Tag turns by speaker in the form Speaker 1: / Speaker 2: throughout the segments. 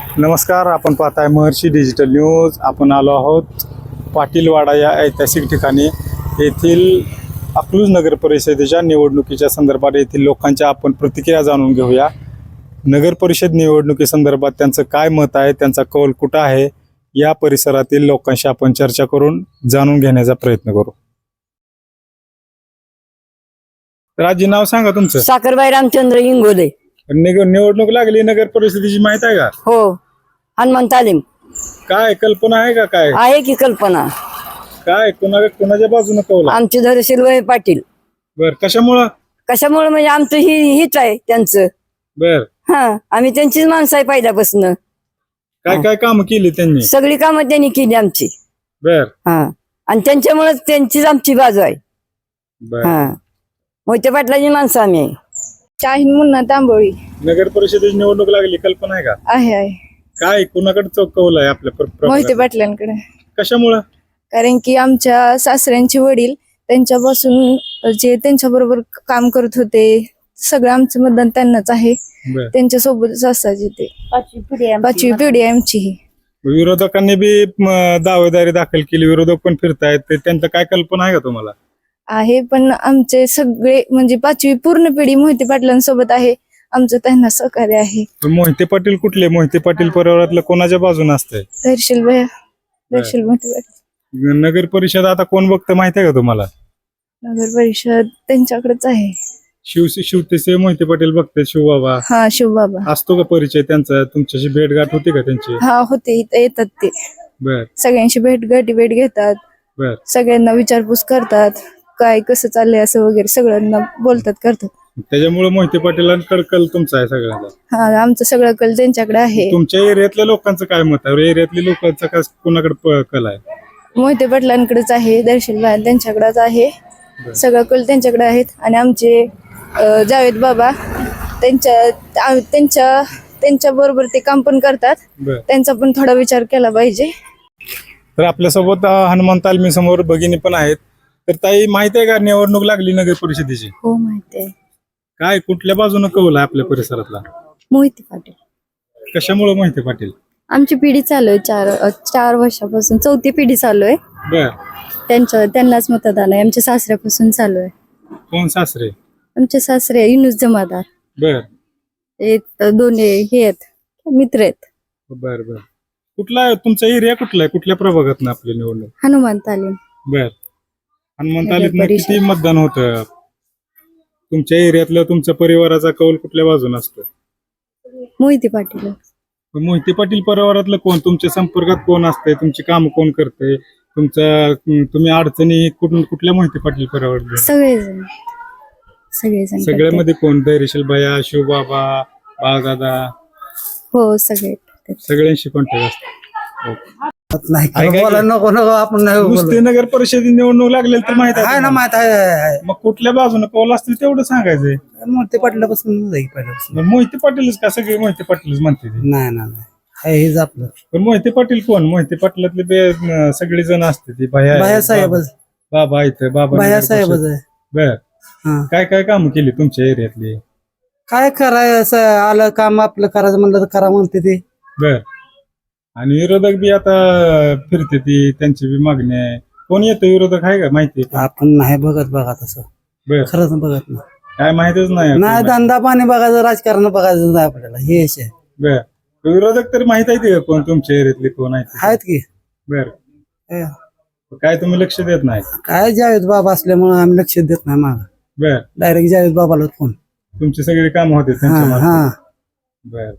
Speaker 1: नमस्कार, आपण पाहताय महर्षी डिजिटल न्यूज. आपण आलो आहोत पाटीलवाडा या ऐतिहासिक ठिकाणी. येथील अकलूज नगर परिषदेच्या निवडणुकीच्या संदर्भात येथील लोकांच्या आपण प्रतिक्रिया जाणून घेऊया. नगर परिषद निवडणुकीसंदर्भात त्यांचं काय मत आहे, त्यांचा कौल कुठं आहे, या परिसरातील लोकांशी आपण चर्चा करून जाणून घेण्याचा प्रयत्न करू. राजी, नाव सांगा तुमचं.
Speaker 2: साखरबाई रामचंद्र इंगोले.
Speaker 1: निवडणूक लागली नगर परिषदेची, माहित आहे का?
Speaker 2: हो, हनुमान तालीम
Speaker 1: काय कल्पना आहे का? काय
Speaker 2: आहे की कल्पना?
Speaker 1: काय कोणाच्या बाजूने कौल?
Speaker 2: आमचे धरशील पाटील.
Speaker 1: बर, कशामुळे
Speaker 2: म्हणजे आमचं हीच आहे त्यांचं.
Speaker 1: बर,
Speaker 2: आम्ही त्यांचीच माणसं आहे पहिल्यापासून.
Speaker 1: काय काम केली त्यांनी?
Speaker 2: सगळी कामं त्यांनी केली आमची.
Speaker 1: बर,
Speaker 2: आणि त्यांच्यामुळे त्यांचीच आमची बाजू आहे.
Speaker 1: बर.
Speaker 2: मोहिते पाटलाची माणसं आम्ही आहे.
Speaker 3: शाहीन मुन्ना तांबोळी.
Speaker 1: नगर परिषदेची निवडणूक लागली, कल्पना आहे का?
Speaker 3: आहे
Speaker 1: काय कुणाकडे कौल आहे आपल्या
Speaker 3: मोहिते पाटलांकडे.
Speaker 1: कशामुळं?
Speaker 3: कारण की आमच्या सासऱ्यांचे वडील त्यांच्यापासून जे त्यांच्या बरोबर काम करत होते, सगळं आमचं मतदान त्यांनाच आहे.
Speaker 1: बर.
Speaker 3: त्यांच्या सोबतच असायचे ते. पाचवी पिढी आहे आमची ही.
Speaker 1: विरोधकांनी बी दावेदारी दाखल केली, विरोधक पण फिरतायत, त्यांचं काय कल्पना आहे का तुम्हाला?
Speaker 3: आहे, पण आमचे सगळे म्हणजे पाचवी पूर्ण पिढी मोहिते पाटलांसोबत आहे. आमचं त्यांना सहकार्य आहे.
Speaker 1: मोहिते पाटील कुठले? मोहिते पाटील परिवारातलं कोणाच्या बाजूने असतंय?
Speaker 3: दर्शील मोहिते पाटील.
Speaker 1: नगर परिषद आता कोण बघतं माहिती आहे का तुम्हाला?
Speaker 3: नगर परिषद त्यांच्याकडेच आहे.
Speaker 1: शिवतेचे मोहिते पाटील बघते, शिवबाबा.
Speaker 3: शिवबाबा.
Speaker 1: असतो का परिचय त्यांचा? तुमच्याशी भेटगाठ होती का त्यांची?
Speaker 3: होते, इथं येतात ते.
Speaker 1: बर,
Speaker 3: सगळ्यांशी भेट घेतात.
Speaker 1: बर.
Speaker 3: सगळ्यांना विचारपूस करतात, काय कसं चाललंय असं वगैरे सगळ्यांना बोलतात, करतात.
Speaker 1: त्याच्यामुळे मोहिते पाटीलांकडे कल तुमचा आहे सगळ्यांचा?
Speaker 3: आमचं सगळं कल त्यांच्याकडे आहे.
Speaker 1: तुमच्या एरियातल्या लोकांचं काय मत आहे? एरियातल्या लोकांचा काय कुणाकडे कल आहे?
Speaker 3: मोहिते पाटलांकडेच आहे. दर्शन त्यांच्याकडेच आहे. सगळं कल त्यांच्याकडे आहेत. आणि आमचे जावेद बाबा त्यांच्या बरोबर ते काम पण करतात. त्यांचा पण थोडा विचार केला पाहिजे.
Speaker 1: तर आपल्यासोबत हनुमान तालमी समोर भगिनी पण आहेत. तर ताई, माहित आहे का निवडणूक लागली नगर परिषदेची?
Speaker 3: हो, माहिती आहे.
Speaker 1: काय कुठल्या बाजूने कौल आहे आपल्या परिसरातला?
Speaker 3: मोहिते पाटील.
Speaker 1: कशामुळे मोहिते पाटील?
Speaker 3: आमची पिढी चालू आहे, 4 वर्षापासून 4थी पिढी चालू आहे.
Speaker 1: बर.
Speaker 3: त्यांनाच मतदान आहे. आमच्या सासऱ्यापासून चालू आहे.
Speaker 1: कोण सासरे?
Speaker 3: आमचे सासरे युनुस जमादार.
Speaker 1: बर.
Speaker 3: दोन्ही हे आहेत, मित्र आहेत.
Speaker 1: बर बर. कुठला आहे तुमचा एरिया? कुठला आहे? कुठल्या प्रभागात ना आपली निवडणूक?
Speaker 3: हनुमान तालीम.
Speaker 1: बर. हनुमान तालीम किती मतदान होतं? तुमच्या एरियातलं तुमच्या परिवाराचा कौल कुठल्या बाजून असतो?
Speaker 3: मोहिते पाटील.
Speaker 1: मोहिते पाटील परिवारातलं कोण तुमच्या संपर्कात कोण असतंय? तुमची काम कोण करते? तुम्ही अडचणी कुठल्या मोहिते पाटील परिवार?
Speaker 3: सगळेजण.
Speaker 1: सगळ्यामध्ये कोण? धैर्यशील भैया, शिवबाबा, बाळदादा?
Speaker 3: हो,
Speaker 1: सगळ्यांशी कॉन्टॅक्ट असतो.
Speaker 4: नको आपण
Speaker 1: नुसते नगर परिषदेची निवडणूक लागलेली तर माहित आहे
Speaker 4: ना, माहित आहे.
Speaker 1: मग कुठल्या बाजूने कौल असतील तेवढं सांगायचंय.
Speaker 4: मोहिते पाटलापासून पहिल्यापासून.
Speaker 1: मोहिते पाटीलच का? सगळे मोहिते पाटीलच म्हणते ते.
Speaker 4: नाही हेच आपलं.
Speaker 1: पण मोहिते पाटील कोण? मोहिते पाटलातले सगळे जण असते ती
Speaker 4: भैया साहेबच.
Speaker 1: बाबा इथं बाबा
Speaker 4: भैया साहेबच आहे.
Speaker 1: बर. काय काम केली तुमच्या एरियातली?
Speaker 4: काय करायचं आलं काम आपलं करायचं म्हणलं तर करा म्हणते ते.
Speaker 1: बर. आणि विरोधक बी आता फिरते ती, त्यांची बी मागणी आहे. कोण येतं विरोधक आहे का? माहिती आहे?
Speaker 4: आपण नाही बघत बघा तसं.
Speaker 1: बर.
Speaker 4: खरंच बघत नाही.
Speaker 1: काय माहितच नाही.
Speaker 4: धंदा पाणी बघायचं, राजकारण बघायचं नाही आपल्याला. हे आहे.
Speaker 1: बर. विरोधक तरी माहित आहे का कोण तुमच्या एरियातले कोण आहेत
Speaker 4: की?
Speaker 1: बर. काय तुम्ही लक्ष देत नाही?
Speaker 4: काय जावेद बाबा असल्यामुळे आम्ही लक्ष देत नाही माग.
Speaker 1: बर.
Speaker 4: डायरेक्ट जावेद बाबाला फोन.
Speaker 1: तुमची सगळी काम होते त्यांच्या? बर.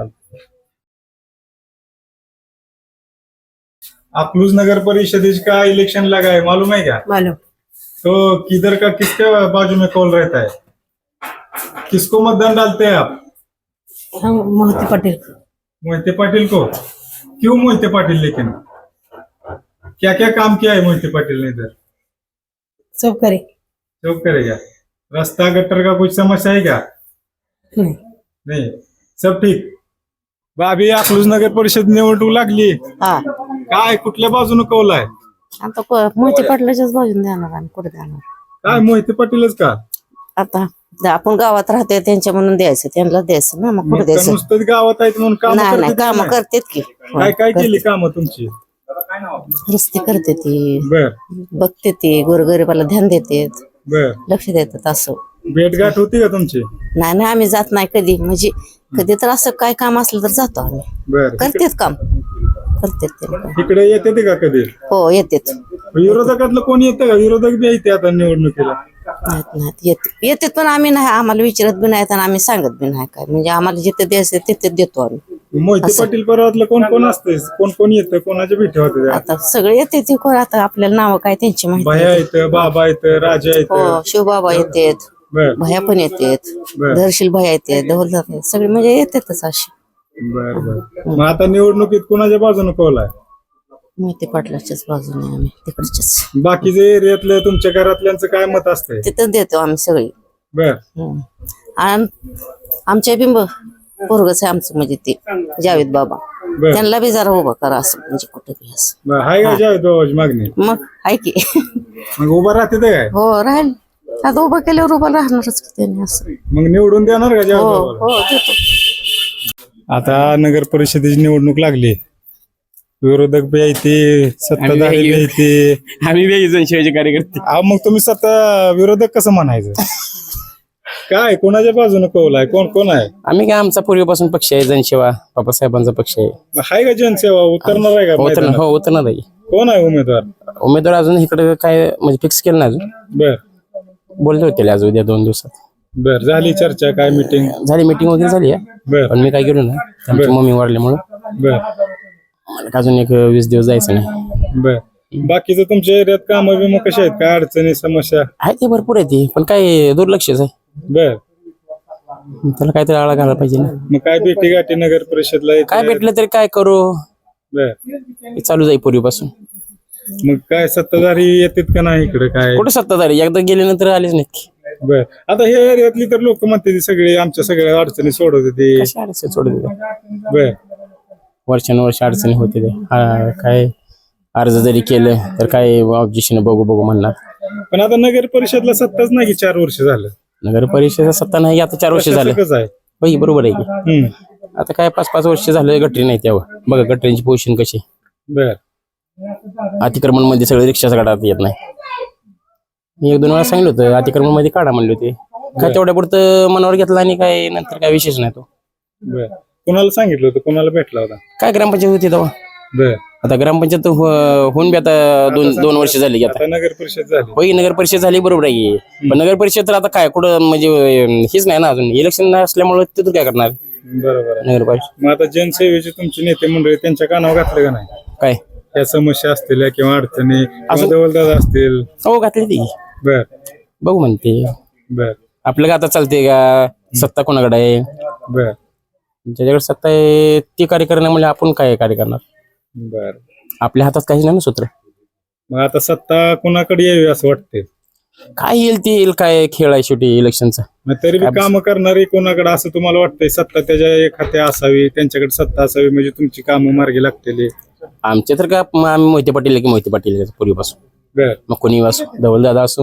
Speaker 1: अकलूज नगर परिषदेश का इलेक्शन लगा है, मालूम है क्या?
Speaker 2: मालूम.
Speaker 1: तो किधर का किसके बाजू में कौल रहता है? किसको मतदान डालते हैं आप?
Speaker 2: मोहिते पाटील.
Speaker 1: मोहिते पाटिल को? क्यों मोहिते पाटिल? लेकिन क्या क्या काम किया है मोहिते पाटिल ने इधर?
Speaker 2: सब
Speaker 1: करेगा. रास्ता गटर का कुछ समस्या है क्या? नहीं, सब ठीक. बाबी, अकलूज नगर परिषद निवडणूक लागली. काय कुठल्या बाजूने कौल आहे?
Speaker 2: आता मोहिते पाटलाच्याच बाजून देणार. आम्ही कुठे देणार?
Speaker 1: काय मोहिते पाटीलच का?
Speaker 2: आता
Speaker 5: आपण गावात राहतोय त्यांच्या म्हणून द्यायचं, त्यांना द्यायचं ना, मग कुठे
Speaker 1: मग का
Speaker 5: द्यायचं.
Speaker 1: नुसतंच गावात आहेत म्हणून काम
Speaker 5: नाही नाही, काम करतात की.
Speaker 1: काय काय केली कामं तुमची?
Speaker 5: रस्ते करते ती,
Speaker 1: बर
Speaker 5: बघते ती, गोरगरिबाला ध्यान देते,
Speaker 1: बर
Speaker 5: लक्ष देतात. असं
Speaker 1: भेटगाठ होती का तुमची?
Speaker 5: नाही नाही, आम्ही जात नाही कधी, म्हणजे कधी तर असं काय काम असलं तर जातो आम्ही.
Speaker 1: बर
Speaker 5: करतेत काम, करतेत ते काम.
Speaker 1: इकडे येते ते का कधी?
Speaker 5: हो येतेत.
Speaker 1: विरोधकातलं कोणी येतं का? विरोधक बी येते आता निवडणुकीला.
Speaker 5: नाहीत येतेत पण आम्ही नाही, आम्हाला विचारत बी नाहीत आणि आम्ही सांगत बी नाही काय, म्हणजे आम्हाला जिथे द्यायचं तिथे देतो आम्ही.
Speaker 1: मोहिते पाटील परवातलं कोण कोण असते? कोण कोण येतं? कोणाच्या भेटी होते?
Speaker 5: आता सगळे येते ते कोण, आता आपल्याला नाव काय त्यांची माहिती
Speaker 1: भया
Speaker 5: नाही.
Speaker 1: येतं, बाबा येतं, राजा
Speaker 5: हो
Speaker 1: येतं.
Speaker 5: शिवबाबा येतेत,
Speaker 1: बर
Speaker 5: भया पण येतेत,
Speaker 1: बर
Speaker 5: धरशील भया येते, धवलदार सगळे म्हणजे येतातच अशी.
Speaker 1: बर बर. मग आता निवडणुकीत कुणाच्या बाजूने कौल आहे?
Speaker 5: मोहिते पाटलाच्याच बाजूने आम्ही, तिकडच्याच
Speaker 1: बाकीचे एरियातलं तुमच्या घरातल्यांचं काय मत असतंय?
Speaker 5: तिथं देतो आम्ही सगळी.
Speaker 1: बर
Speaker 5: आणि आमच्या बिंब पोरगच आहे आमचं, म्हणजे ते जावेद बाबा,
Speaker 1: बर
Speaker 5: त्यांना बी जरा उभा करा असं, म्हणजे कुठे बी असं.
Speaker 1: बर. हाय का जावेद बाबाची मागणी?
Speaker 5: मग आहे की.
Speaker 1: मग उभा राहते ते काय?
Speaker 5: हो राहील, आता उभा केल्यावर उभा राहणारच की त्यांनी असं.
Speaker 1: मग निवडून देणार का जावेद
Speaker 5: हो
Speaker 1: बाबाला?
Speaker 5: हो देतो.
Speaker 1: आता नगर परिषदेची निवडणूक लागली, विरोधक बी येते, सत्ताधारी बी येते.
Speaker 6: आम्ही वेगळी शिवाजी कार्यकर्ते.
Speaker 1: अहो, मग तुम्ही स्वतः विरोधक कसं म्हणायचं? काय कोणाच्या बाजूने कौल आहे? कोण कोण आहे?
Speaker 6: आम्ही काय, आमचा पूर्वीपासून पक्ष आहे जनसेवा, बाबासाहेबांचा पक्ष आहे.
Speaker 1: हाय का जनसेवा? उतरणार आहे का मैदानात?
Speaker 6: हो उतरणार आहे.
Speaker 1: कोण आहे उमेदवार?
Speaker 6: उमेदवार अजून इकडे काय म्हणजे फिक्स केलं नाही अजून,
Speaker 1: बर
Speaker 6: बोलले होते आज उद्या 2 दिवसात.
Speaker 1: बर. झाली चर्चा? काय मीटिंग
Speaker 6: झाली, मीटिंग वगैरे झाली आहे,
Speaker 1: बर
Speaker 6: पण मी काय गेलो ना, आमची मम्मी वाढल्यामुळं
Speaker 1: बर
Speaker 6: मला अजून एक 20 दिवस जायचं नाही.
Speaker 1: बर. बाकीचं तुमच्या एरियात काम बिम कशा आहेत? काय अडचणी समस्या?
Speaker 6: आहे ते भरपूर आहे ती, पण काय दुर्लक्षच आहे,
Speaker 1: बर.
Speaker 6: त्याला काहीतरी आळा घालायला पाहिजे ना.
Speaker 1: मग काय भेटी गाठी नगर परिषदला येते?
Speaker 6: काय भेटलं तरी काय करू,
Speaker 1: बर.
Speaker 6: हे चालू जाईल पूर्वीपासून.
Speaker 1: मग काय सत्ताधारी येतात का नाही इकडे? काय
Speaker 6: कुठे सत्ताधारी एकदा गेल्यानंतर आलेच नाहीत.
Speaker 1: बर. आता हे एरियातली तर लोक म्हणते ती सगळे आमच्या सगळ्या अडचणी सोडवते ते.
Speaker 6: कशा अडचणी सोडत होते,
Speaker 1: बर
Speaker 6: वर्षानुवर्ष अडचणी होते ते. काय अर्ज जरी केलं तर काय ऑब्जेक्शन बघू बघू म्हणणार.
Speaker 1: पण आता नगर परिषदला सत्ताच नाही की 4 वर्ष झालं.
Speaker 6: नगर परिषद सत्ता नाही, आता 4 वर्ष झाले.
Speaker 1: कसं आहे?
Speaker 6: होय बरोबर आहे की. आता काय 5-5 वर्ष झाले गटरी नाही तेव्हा. बघा गटरींची पोझिशन कशी.
Speaker 1: बर.
Speaker 6: अतिक्रमण मध्ये सगळे रिक्षाचा काढा येत नाही. मी 1-2 वेळा सांगितलं होतं अतिक्रमण मध्ये काढा म्हणले होते, काय तेवढ्या पुरतं मनावर घेतला आणि काय नंतर काय विशेष नाही तो.
Speaker 1: बर. कोणाला सांगितलं होतं? कोणाला भेटला होता?
Speaker 6: काय ग्रामपंचायत होती तेव्हा.
Speaker 1: बर.
Speaker 6: आता ग्रामपंचायत होऊन बी आता 2 वर्ष झाली की आता.
Speaker 1: आता नगर परिषद झाली.
Speaker 6: होय नगर परिषद झाली बरोबर आहे, पण नगर परिषद तर आता काय कुठं म्हणजे हेच नाही ना अजून, इलेक्शन असल्यामुळे तिथून काय करणार
Speaker 1: बरोबर आहे.
Speaker 6: नगर परिषद.
Speaker 1: मग आता जनसेवेचे तुमचे नेते मंडळी त्यांच्या कानावर घातलं का नाही?
Speaker 6: काय
Speaker 1: त्या समस्या असतील किंवा अडचणी किंवा दवलदादा असतील?
Speaker 6: हो घातली ती,
Speaker 1: बर
Speaker 6: बघू म्हणते.
Speaker 1: बर
Speaker 6: आपलं का आता चालते का, सत्ता कोणाकडे आहे,
Speaker 1: बर
Speaker 6: ज्याच्याकडे सत्ता आहे ती कार्य करणार म्हणजे आपण काय कार्य करणार.
Speaker 1: बर.
Speaker 6: आपल्या हातात काहीच नाही ना सूत्र.
Speaker 1: मग आता सत्ता कोणाकडे यावी असं वाटते?
Speaker 6: काय येईल ते येईल, काय खेळ आहे शेवटी इलेक्शनचा.
Speaker 1: मग तरी बी काम करणारी कोणाकडे असं तुम्हाला वाटतंय? सत्ता त्याच्या एखाद्या असावी, त्यांच्याकडे सत्ता असावी म्हणजे तुमची कामं मार्गी लागतील.
Speaker 6: आमचे तर का आम्ही मोहिते पाटील की मोहिते पाटील पूर्वीपासून.
Speaker 1: बर.
Speaker 6: मग कोणी असो, धवलदादा असो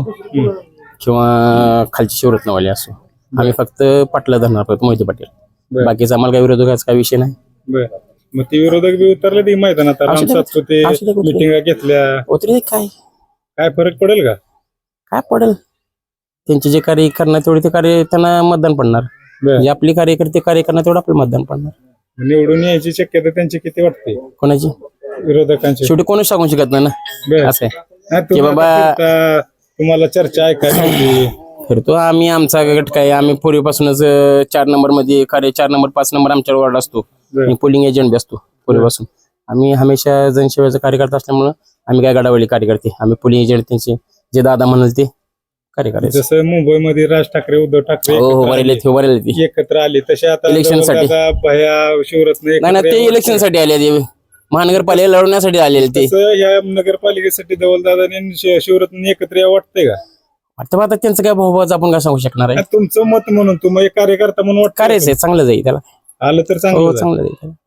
Speaker 6: किंवा खालची शिवरत्नवाले असो, आम्ही फक्त पाटला धरणार फक्त मोहिते पाटील.
Speaker 1: बर.
Speaker 6: बाकीचा आम्हाला काही विरोधकाचा काही विषय नाही.
Speaker 1: बर. मग ती विरोधक बी उतरले ती मैदानात,
Speaker 6: असू दे, असू दे, कुठले.
Speaker 1: मिटिंगा घेतल्या,
Speaker 6: उतरी काय
Speaker 1: काय फरक पडेल का?
Speaker 6: काय पडेल, त्यांचे जे कार्य करणार तेवढे ते कार्य त्यांना मतदान पडणार.
Speaker 1: बर.
Speaker 6: जे आपली कार्यकर्ते कार्य करणार तेवढं आपलं मतदान पडणार.
Speaker 1: निवडून यायची शक्यता त्यांची किती वाटते
Speaker 6: कोणाची?
Speaker 1: विरोधकांची?
Speaker 6: शेवटी कोणच सांगू शकत नाही ना.
Speaker 1: बर.
Speaker 6: असं आहे
Speaker 1: नाही,
Speaker 6: की
Speaker 1: तुम्ही
Speaker 6: बाबा
Speaker 1: आता फिरता, तुम्हाला चर्चा ऐकायला मिळते.
Speaker 6: फिरतो आम्ही, आमचा गट काय आम्ही पूर्वीपासूनच 4 नंबर मध्ये कार्य, 4 नंबर 5 नंबर आमच्या वॉर्ड असतो.
Speaker 1: बर.
Speaker 6: मी पोलिंग एजंट बी असतो पूर्वीपासून. आम्ही हमेशा जनसेवेचा कार्यकर्ता असल्यामुळं आम्ही काय गडावळी कार्यकर्ते, आम्ही पोलिंग एजंट त्यांचे जे दादा म्हणाल ते कार्य करायचं.
Speaker 1: जसं मुंबईमध्ये राज ठाकरे, उद्धव ठाकरे
Speaker 6: हो हो
Speaker 1: एकत्र
Speaker 6: वरेले
Speaker 1: आले.
Speaker 6: वरेले ते
Speaker 1: एकत्र आले तसे आता
Speaker 6: इलेक्शनसाठी.
Speaker 1: दादा, भया, शिवरत्न
Speaker 6: नाही ना,
Speaker 1: एकत्र
Speaker 6: ते
Speaker 1: यावं
Speaker 6: इलेक्शन साठी आले ते महानगरपालिका लढवण्यासाठी आलेले ते.
Speaker 1: तसं या नगरपालिकेसाठी धवलदादाने शिवरत्न एकत्र यावं वाटतंय का?
Speaker 6: आता आता त्यांचं काय भाऊभावाचं आपण काय सांगू शकणार आहे.
Speaker 1: तुमचं मत म्हणून तुम्ही एक कार्यकर्ता म्हणून वाटतं
Speaker 6: कार्याचं आहे, चांगलं जाईल त्याला.
Speaker 1: आलं तर
Speaker 6: हो
Speaker 1: चांगलं
Speaker 6: चांगलं जाईल त्याला.